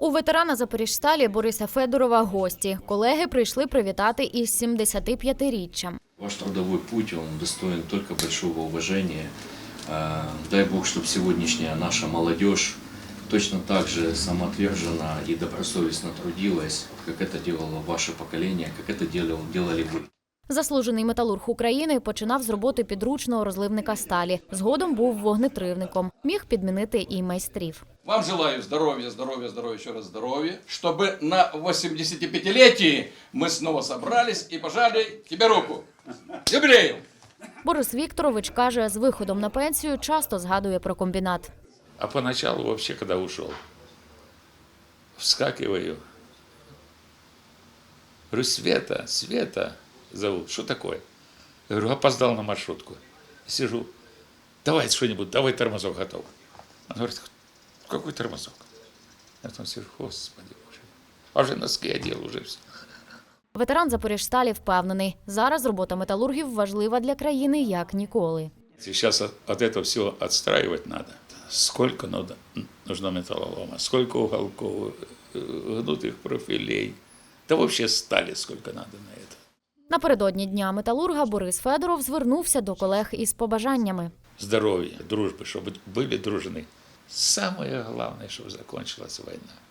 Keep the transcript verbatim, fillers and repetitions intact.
У ветерана Запоріжсталі Бориса Федорова гості. Колеги прийшли привітати із сімдесятип'ятиріччям. Ваш трудовой путь, он достоин только большого уважения. Дай Бог, чтобы сегодняшняя наша молодежь точно так же самоотверженно и добросовестно трудилась, как это делало ваше поколение, как это делали вы. Заслужений металург України починав з роботи підручного розливника сталі. Згодом був вогнетривником. Міг підмінити і майстрів. Вам желаю здоровья, здоровья, здоровья, еще раз здоровья, чтобы на восьмидесятипятилетии мы снова собрались и пожали тебе руку. Юбилею! Борис Вікторович каже, з виходом на пенсію часто згадує про комбінат. А поначалу вообще, когда ушел, вскакиваю. Говорю, Света, Света зовут. Что такое? Я говорю, опоздал на маршрутку. Сижу. Давай что-нибудь, давай тормозок готов. Он говорит, какой тормозок? Я там сижу, Господи Боже. А вже носки одел, уже все. Ветеран Запоріжсталі впевнений, зараз робота металургів важлива для країни як ніколи. Сейчас от, от этого всего отстраивать надо. Сколько надо, нужно металлолома, сколько уголков, гнутых профилей. Да вообще стали сколько надо на это. Напередодні Дня металурга Борис Федоров звернувся до колег із побажаннями. Здоровья, дружбы, чтобы были дружны. Самое главное, чтобы закончилась война.